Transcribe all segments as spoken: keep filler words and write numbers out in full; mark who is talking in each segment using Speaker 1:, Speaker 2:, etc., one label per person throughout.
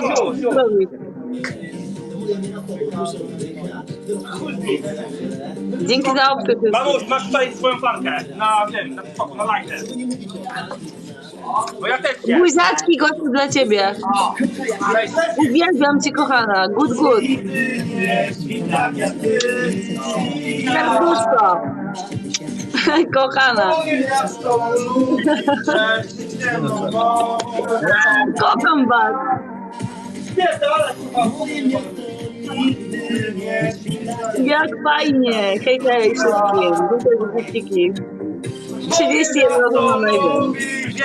Speaker 1: już, już.
Speaker 2: Dzięki za obcy.
Speaker 1: Mamuś, masz tutaj swoją flankę na wiem, na spoko, na lajkę. Bo ja też nie.
Speaker 2: Buziaczki gościu dla ciebie. Uwielbiam cię, kochana. Good, good. Serduszko. Kochana. Kocham was. Jak fajnie. Hej, hej wszystkim. Duże wyścigi. trzydzieści jeden osób na najmniej.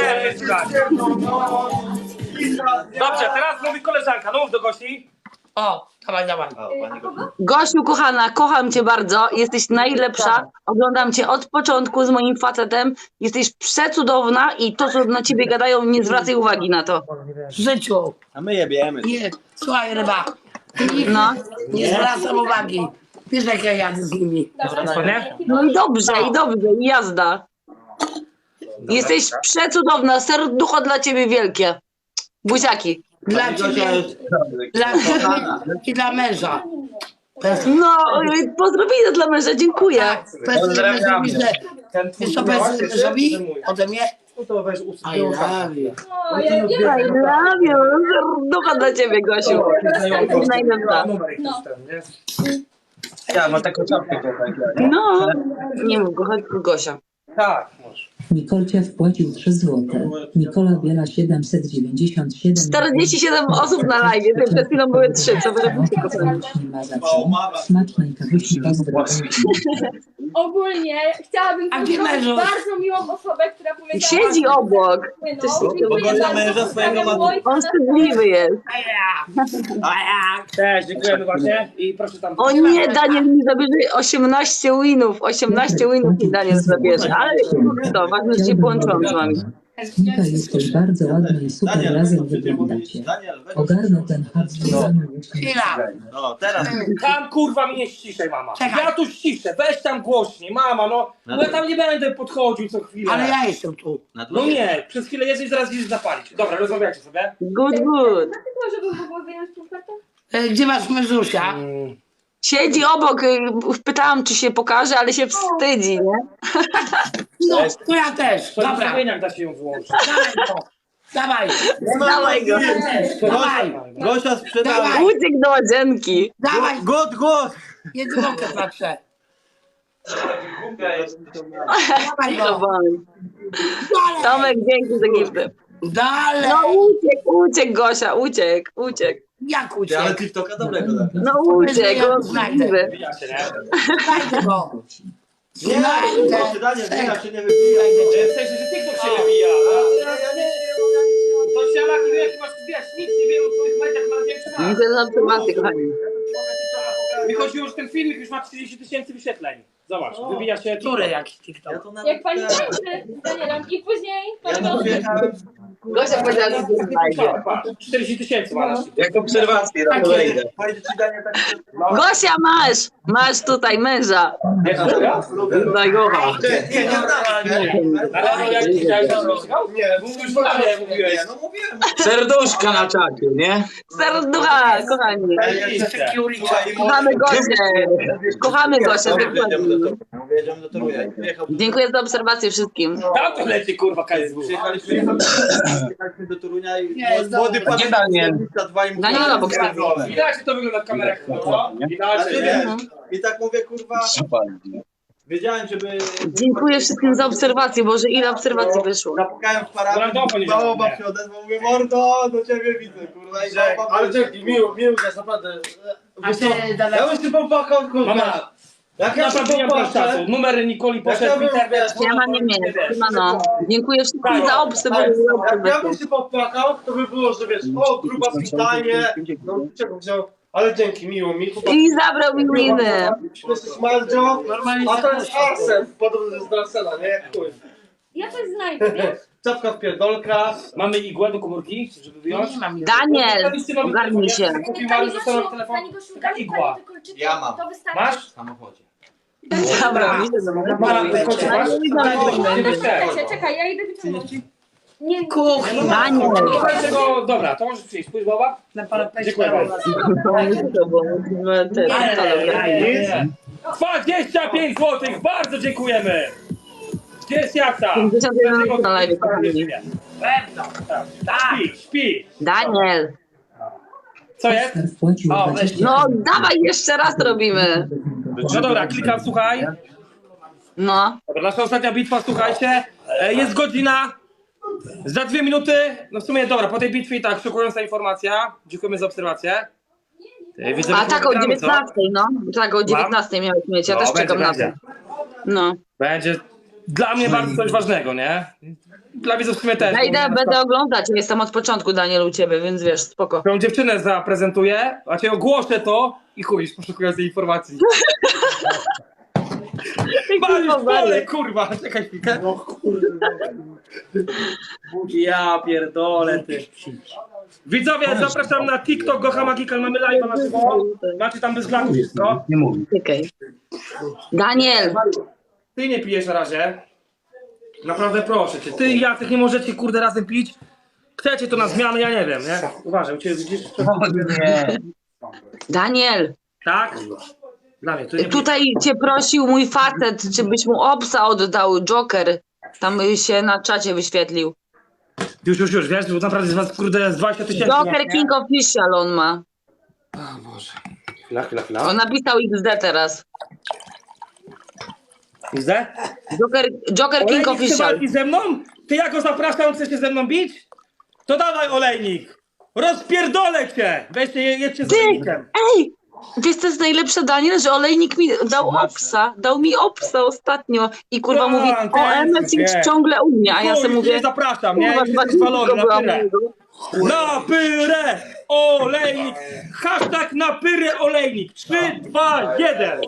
Speaker 1: Dobrze, teraz mówi koleżanka, no mów do gości.
Speaker 3: O, dawaj, dawaj.
Speaker 2: Gosiu, kochana, kocham cię bardzo. Jesteś najlepsza. Oglądam cię od początku z moim facetem. Jesteś przecudowna i to, co na ciebie gadają, nie zwracaj uwagi na to.
Speaker 3: W życiu.
Speaker 4: A my jebiemy.
Speaker 3: Nie, słuchaj ryba.
Speaker 2: No.
Speaker 3: Nie zwracam uwagi. Wiesz jak ja jadę z nimi.
Speaker 2: No i dobrze, i dobrze, i jazda. Jesteś przecudowna, serducho dla ciebie wielkie. Buziaki.
Speaker 3: Dla ciebie, dla ciebie i dla męża.
Speaker 2: No, pozdrowienia dla męża, dziękuję.
Speaker 3: Tak, powiedz mężowi, że... Wiesz co powiedz mężowi ode mnie? I love you.
Speaker 2: I love you. Serducho dla ciebie, Gosiu. Jesteś najlepsza.
Speaker 4: Ja mam taką czapkę tutaj.
Speaker 2: No, nie mów, chodź Gosia.
Speaker 1: Tak, może.
Speaker 5: Nikolcia wpłacił trzy złote. Nikola Biela siedemset dziewięćdziesiąt siedem.
Speaker 2: czterdzieści siedem osób na live, przed chwilą były trzy, co wy robicie, kochani?
Speaker 5: Ma za co? Smacznej kawusi pozdrowienia.
Speaker 6: Ogólnie chciałabym
Speaker 3: A gdzie
Speaker 6: pozdrowić
Speaker 3: mężu?
Speaker 6: bardzo miłą osobę, która powiedziała...
Speaker 2: Siedzi obok.
Speaker 6: No, dziękuję
Speaker 4: Bo
Speaker 6: bardzo.
Speaker 4: męża swojego ma-
Speaker 6: Pozdrawiam
Speaker 2: On wstydliwy jest.
Speaker 3: A ja. A ja.
Speaker 1: Cześć, dziękujemy właśnie i proszę tam.
Speaker 2: O nie, Daniel mi zabierze osiemnaście winów. osiemnaście winów mi Daniel zabierze. Ale to, ważne, że się połączyłam z wami.
Speaker 5: Nika, jesteś bardzo ładna i super razem wyglądacie.
Speaker 4: Daniel, weź.
Speaker 5: Ogarnę ten hard
Speaker 3: Chwila.
Speaker 4: No, teraz.
Speaker 1: Tam kurwa mnie ściszej, mama.
Speaker 3: Czekaj.
Speaker 1: Ja tu ściszę, weź tam głośniej, mama, no. Bo ja tam nie będę podchodził co chwilę.
Speaker 3: Ale ja jestem tu.
Speaker 1: No nie, przez chwilę jesteś, zaraz idziesz zapalić. Dobra, rozmawiacie sobie.
Speaker 2: Good, good.
Speaker 6: Żeby w ogóle wyjąć tą kartę?
Speaker 3: E, Gdzie masz mężusia?
Speaker 2: Siedzi obok, y, pytałam, czy się pokaże, ale się wstydzi, nie?
Speaker 3: No, to ja też.
Speaker 1: To
Speaker 3: Dobra.
Speaker 1: jak da się ją wyłączyć.
Speaker 3: Dawaj go. Dawaj.
Speaker 2: Dawaj go.
Speaker 3: Dawaj.
Speaker 4: Gosia sprzedała.
Speaker 3: Dawaj.
Speaker 2: Uciekł do łazienki.
Speaker 3: Dawaj.
Speaker 4: God, God!
Speaker 3: Jedynkę patrzę. Dawaj go.
Speaker 2: Zobacz.
Speaker 3: Dalej.
Speaker 2: Tomek, dzięki za gifty.
Speaker 3: Dalej.
Speaker 2: No uciekł, uciekł Gosia, uciekł, uciekł.
Speaker 3: Jak
Speaker 4: Ale
Speaker 3: uciekł?
Speaker 4: TikToka dobrego da.
Speaker 2: No uciekł, on wstydliwy.
Speaker 1: Wyjacie, nie?
Speaker 3: Znajdę go.
Speaker 4: Nie,
Speaker 3: Znajdę.
Speaker 4: Daniel, Daniel się nie wybija.
Speaker 1: W sensie, że TikTok się wybija. To siala, ty jak masz, wiesz, nic nie wiem o twoich mediach, ma większy raz.
Speaker 2: Dziękuję za obserwację, kochani.
Speaker 1: Mi chodziło, że ten filmik już ma trzydzieści tysięcy wyświetleń. Zobacz, wybija się TikTok.
Speaker 3: Który jakiś TikTok?
Speaker 4: Ja to nawet...
Speaker 6: Jak pani tańczy z Danielem i później...
Speaker 4: Ja to przyjechałem...
Speaker 2: Gosia powiedziała, że to znajdzie.
Speaker 1: Patrz, czterdzieści tysięcy ma na
Speaker 4: Jak obserwację, na to wejdę. Powiedz ci, Daniel, tak...
Speaker 2: Gosia, masz! Masz tutaj męża. Daj go.
Speaker 4: Nie, nie,
Speaker 1: Ale no jak chciałeś, to zrobił? Nie, mówisz, że mówiłeś.
Speaker 4: no mówiłem.
Speaker 7: Serduszka na czacie, nie?
Speaker 2: Serducha, kochani. Kochamy Gosię. Kochamy Gosię. dokładnie.
Speaker 4: Jedziemy do Torunia.
Speaker 2: Dziękuję za obserwację wszystkim.
Speaker 1: Tam to leci, kurwa, K S W.
Speaker 4: Przyjechaliśmy, przyjechaliśmy do Torunia i
Speaker 3: Nie,
Speaker 4: młody pan...
Speaker 7: Gdzie Daniel?
Speaker 2: Daniel obok stoi.
Speaker 1: Widać, jak to wygląda w kamerach. No, widać,
Speaker 4: Ale
Speaker 1: że
Speaker 4: wiesz,
Speaker 1: nie.
Speaker 4: i tak mówię, kurwa, wiedziałem, żeby...
Speaker 2: Dziękuję wszystkim za obserwację. Boże, ile obserwacji wyszło.
Speaker 4: Zapukałem w parapet,
Speaker 1: Brawo, nie
Speaker 4: bałoba
Speaker 1: żartuję.
Speaker 4: się odezwał, mówię, mordo, do ciebie widzę, kurwa, i bałoba...
Speaker 8: Ale dzięki, miło, miło jest naprawdę.
Speaker 3: A
Speaker 8: Wiesz co,
Speaker 3: ty,
Speaker 8: ja
Speaker 3: Dada,
Speaker 8: bym się popłakał, kurwa.
Speaker 1: Mama,
Speaker 8: Jak ja się
Speaker 1: naprawdę nie mam
Speaker 8: popłaczę,
Speaker 1: czasu. Numer Nikoli
Speaker 8: Jak ja
Speaker 1: poszedł w
Speaker 8: bym,
Speaker 1: internet.
Speaker 8: wiesz,
Speaker 2: Ja mam nie mieć. Siemano. Dziękuję wszystkim za obserwację.
Speaker 8: jak ja bym się popłakał, to by było, że wiesz, o, gruba spitanie, no czego wziął, ale dzięki, miło mi.
Speaker 2: I zabrał mi winy.
Speaker 8: Jesteś Mandzio,
Speaker 3: normalnie
Speaker 8: a to jest Arsen, podobny z Drarsena, nie? Jak chuj.
Speaker 6: Ja coś znajdę, wiesz?
Speaker 8: Czapka w pierdolka.
Speaker 1: Mamy igłę do komórki, żeby wyjąć.
Speaker 3: nie mam.
Speaker 2: Daniel, ogarnij się.
Speaker 1: Kupił
Speaker 6: Pani
Speaker 1: Mariusz dostał
Speaker 6: Gosiu,
Speaker 1: telefon.
Speaker 6: pani Gosiu, da mi
Speaker 1: igła.
Speaker 6: pani te kolczyki,
Speaker 4: Ja mam.
Speaker 6: to wystarczy.
Speaker 1: Masz?
Speaker 4: W samochodzie.
Speaker 2: Zabrał mi się.
Speaker 1: Mara, te kocie masz?
Speaker 2: Nie widzę.
Speaker 1: Nie weź te.
Speaker 6: Czekaj, czekaj, ja idę wyciągnąć. Nie,
Speaker 3: Kuchnia.
Speaker 2: Daniel.
Speaker 1: To będzie go, dobra, to możesz przyjść. Pójdź, baba.
Speaker 3: Na parapecie.
Speaker 1: Dziękuję bardzo. dwadzieścia pięć złotych, bardzo dziękujemy. Gdzie jest Jacka?
Speaker 2: pięćdziesiąt jeden na live.
Speaker 3: Pewno. Tak.
Speaker 1: Śpi, śpi.
Speaker 2: Daniel.
Speaker 1: Co jest?
Speaker 5: Oskar wpłacił
Speaker 3: O,
Speaker 5: dwadzieścia
Speaker 2: No dawaj, jeszcze raz robimy.
Speaker 1: No dobra, klikam, słuchaj.
Speaker 2: No.
Speaker 1: Dobra, nasza ostatnia bitwa, słuchajcie. E, Jest godzina. Za dwie minuty. No w sumie dobra, po tej bitwie i tak, szokująca informacja. Dziękujemy za obserwację. E, widzę,
Speaker 2: A
Speaker 1: że
Speaker 2: tak o
Speaker 1: gramy, co?
Speaker 2: dziewiętnastej, no. Tak o dziewiętnastej miałeś mieć, ja
Speaker 1: No,
Speaker 2: też
Speaker 1: będzie,
Speaker 2: czekam na to.
Speaker 1: będzie.
Speaker 2: No.
Speaker 1: Będzie dla mnie bardzo coś ważnego, nie? Dla widzów w sumie też.
Speaker 2: Ja idę, będę oglądać, jestem od początku, Daniel, u ciebie, więc wiesz, spoko.
Speaker 1: Tą dziewczynę zaprezentuję, a cię ogłoszę to i chuj, poszukującej informacji. Mariusz, pole, kurwa, czekaj chwilkę.
Speaker 4: No kurwa. Ja pierdolę ty.
Speaker 1: Widzowie, zapraszam na TikTok Gocha Magical, mamy live'a na żywo. Macie tam bez glaku wszystko.
Speaker 7: Nie mówię.
Speaker 2: Czekaj. Daniel,
Speaker 1: Ty nie pijesz na razie. Naprawdę proszę cię. Ty i Jacek nie możecie kurde razem pić. Chcecie to na zmianę, ja nie wiem, nie? Uważaj, u ciebie widzisz?
Speaker 7: O nie.
Speaker 2: Daniel,
Speaker 1: Tak? Dla mnie, tu nie
Speaker 2: tutaj cię prosił mój facet, czy byś mu obsa oddał, Joker. Tam się na czacie wyświetlił.
Speaker 1: Już, już, już, wiesz, bo naprawdę z was kurde z dwadzieścia tysięcy.
Speaker 2: Joker King Official on ma.
Speaker 1: O Boże. Chwila, chwila, chwila.
Speaker 2: On napisał X D teraz.
Speaker 1: Widzę?
Speaker 2: Joker, Joker King
Speaker 1: Olejnik chce
Speaker 2: Official.
Speaker 1: walki ze mną? Ty ja go zapraszam, chce się ze mną bić? To dawaj, Olejnik! Rozpierdolę cię! Weźcie, jedźcie z
Speaker 2: Ty!
Speaker 1: Olejnikiem.
Speaker 2: Ej! Wiesz, to jest najlepsze, Daniel, że olejnik mi dał obsa, dał mi obsa ostatnio i kurwa
Speaker 1: Tak,
Speaker 2: mówi,
Speaker 1: tak,
Speaker 2: o M S
Speaker 1: wiem.
Speaker 2: X ciągle u mnie, a ja
Speaker 1: Chuj,
Speaker 2: sobie mówię,
Speaker 1: nie zapraszam, nie?
Speaker 2: kurwa,
Speaker 1: Już
Speaker 2: dwa
Speaker 1: jesteś
Speaker 2: dni
Speaker 1: zwalony,
Speaker 2: tylko
Speaker 1: na
Speaker 2: byłam
Speaker 1: pyrę.
Speaker 2: u niego.
Speaker 1: Na pyrę! Olejnik! Hashtag na pyrę olejnik! trzy, dwa, jeden!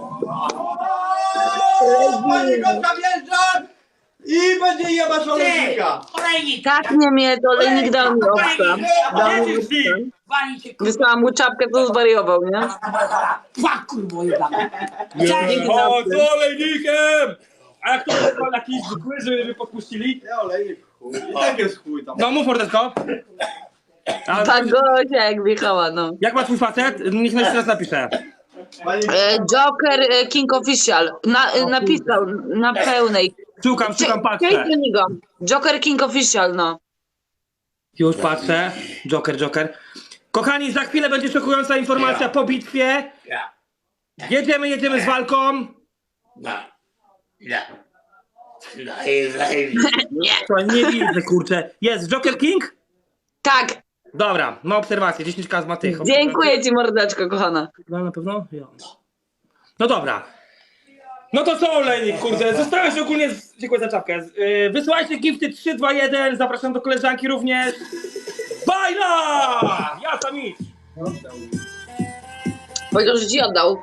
Speaker 4: Panie Gotka wjeżdża i będzie jebać olejnika.
Speaker 3: Olejnik.
Speaker 2: Tak nie mnie, to olejnik dał mi obsa. Dał mi
Speaker 1: Jedziesz z
Speaker 2: obsa.
Speaker 1: nim!
Speaker 3: Wali cię kurwa.
Speaker 2: Wysłałam mu czapkę, to zwariował, nie?
Speaker 3: Pła kurwo jebana.
Speaker 1: O, z olejnikiem! A jak to jest jakiś zwykły, żeby podpuścili?
Speaker 4: Nie olejnik chuj. I tak jest chuj tam.
Speaker 1: No mów mordeczko. A,
Speaker 2: Tak gościa jak wjechała, no.
Speaker 1: jak ma twój facet? Niech jeszcze raz napisze.
Speaker 4: Panie
Speaker 2: E, Joker e, King Official. Na, e, napisał na pełnej.
Speaker 1: Szukam, szukam, patrzę.
Speaker 2: Przejdź do niego. Joker King Official, no.
Speaker 1: Już patrzę. Joker, Joker. Kochani, za chwilę będzie szokująca informacja po bitwie. Jedziemy, jedziemy z walką.
Speaker 2: Nie.
Speaker 1: To nie widzę, kurczę. Jest Joker King?
Speaker 2: Tak.
Speaker 1: Dobra, ma obserwację. dziesięć ka z ma tych.
Speaker 2: Dziękuję ci, mordeczko, kochana.
Speaker 1: No na pewno? Ja. No dobra. No to co, Olejnik, kurde, zostałeś ogólnie, z... dziękuję za czapkę. Z- Yy, wysyłajcie gifty trzy, dwa, jeden, zapraszam do koleżanki również. Bajla! Ja sam idź.
Speaker 2: Powiedział, że ci oddał.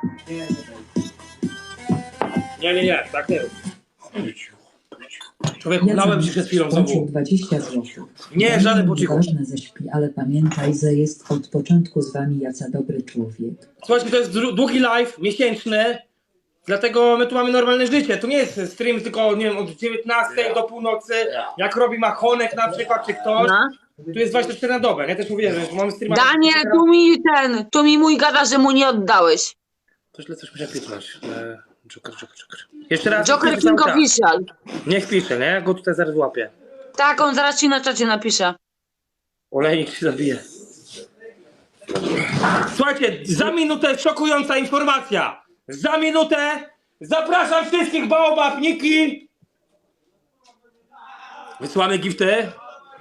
Speaker 1: Nie, nie, nie, tak nie. Człowieku, lałem ci przed chwilą
Speaker 5: wpłacił
Speaker 1: znowu.
Speaker 5: dwadzieścia złotych.
Speaker 1: Nie, żaden po cichu.
Speaker 5: Ważne ze śpi, ale pamiętaj, że jest od początku z wami Jaca dobry człowiek.
Speaker 1: Słuchajcie, to jest dru- długi live, miesięczny. Dlatego my tu mamy normalne życie. To nie jest stream tylko, nie wiem, od dziewiętnastej do północy. Jak robi Machonek na przykład, czy ktoś.
Speaker 2: No.
Speaker 1: Tu jest dwadzieścia cztery na dobę. Ja też mówiłem, że mamy streama.
Speaker 2: Daniel, tu mi ten, tu mi mój gada, że mu nie oddałeś.
Speaker 1: To źle coś muszę pisać. E, Joker, Joker, Joker. Jeszcze raz.
Speaker 2: Joker
Speaker 1: piszę
Speaker 2: King
Speaker 1: cały czas.
Speaker 2: Official.
Speaker 1: Niech pisze, nie? Ja go tutaj zaraz łapię.
Speaker 2: Tak, on zaraz ci na czacie napisze.
Speaker 1: Olejnik się zabije. Słuchajcie, za minutę szokująca informacja. Za minutę zapraszam wszystkich Baobab, Niki. Wysyłamy gifty.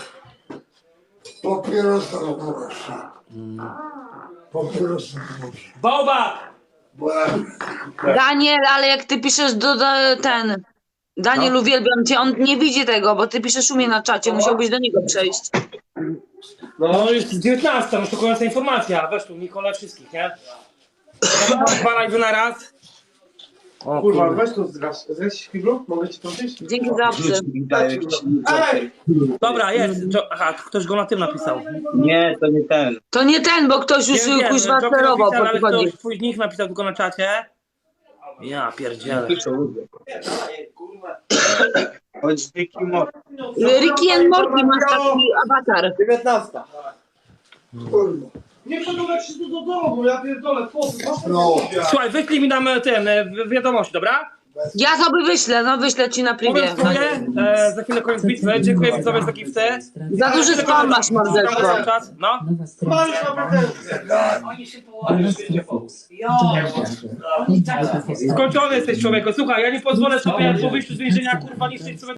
Speaker 9: Papierosa proszę. Papierosa proszę.
Speaker 1: Baobab!
Speaker 2: Daniel, ale jak ty piszesz do, do ten... Daniel,
Speaker 1: No.
Speaker 2: uwielbiam cię, on nie widzi tego, bo ty piszesz u mnie na czacie, musiałbyś do niego przejść.
Speaker 1: No jest dziewiętnasta, no szokująca informacja. Weź tu Nikola wszystkich, nie? Dwa live na raz. O,
Speaker 8: Kurwa,
Speaker 1: kurwa.
Speaker 8: weź tu zgasz. Zgaś kiblu? Mogę ci to pić?
Speaker 2: Dzięki za obcy.
Speaker 8: Ej!
Speaker 1: Dobra, jest. Jo- Aha, ktoś go na tym napisał.
Speaker 7: Nie, to nie ten.
Speaker 2: To nie ten, bo ktoś już
Speaker 1: Wiem, wiem,
Speaker 2: kuźwa
Speaker 1: Joker
Speaker 2: sterował,
Speaker 1: napisał,
Speaker 2: po
Speaker 1: ale
Speaker 2: co chodzi.
Speaker 1: ktoś twój nick napisał tylko na czacie. Ja pierdzielę.
Speaker 7: Piszą ludzie. Chodź dziki mor.
Speaker 2: Ricky and Morty masz taki awatar.
Speaker 4: dziewiętnasta.
Speaker 8: Nie chcę go się tu do domu, ja pierdolę, po co?
Speaker 4: No.
Speaker 1: Słuchaj, wyślij mi tam ten, e, wi- wiadomości, dobra?
Speaker 2: Ja sobie wyślę, no wyślę ci na privie.
Speaker 1: Powiem swoje, e, za chwilę koniec bitwy. Dziękuję widzowie za gifty.
Speaker 2: Za duży spam masz, morderstwo.
Speaker 1: Cały czas, no.
Speaker 5: Nowa strona.
Speaker 8: Masz na pretensje.
Speaker 3: Oni się
Speaker 5: Nowa
Speaker 3: położą.
Speaker 5: strona Fox.
Speaker 3: Jo.
Speaker 5: Oni cały czas.
Speaker 1: Skończony jesteś człowieku. Słuchaj, ja nie pozwolę sobie po wyjściu z więzienia kurwa niszczyć sobie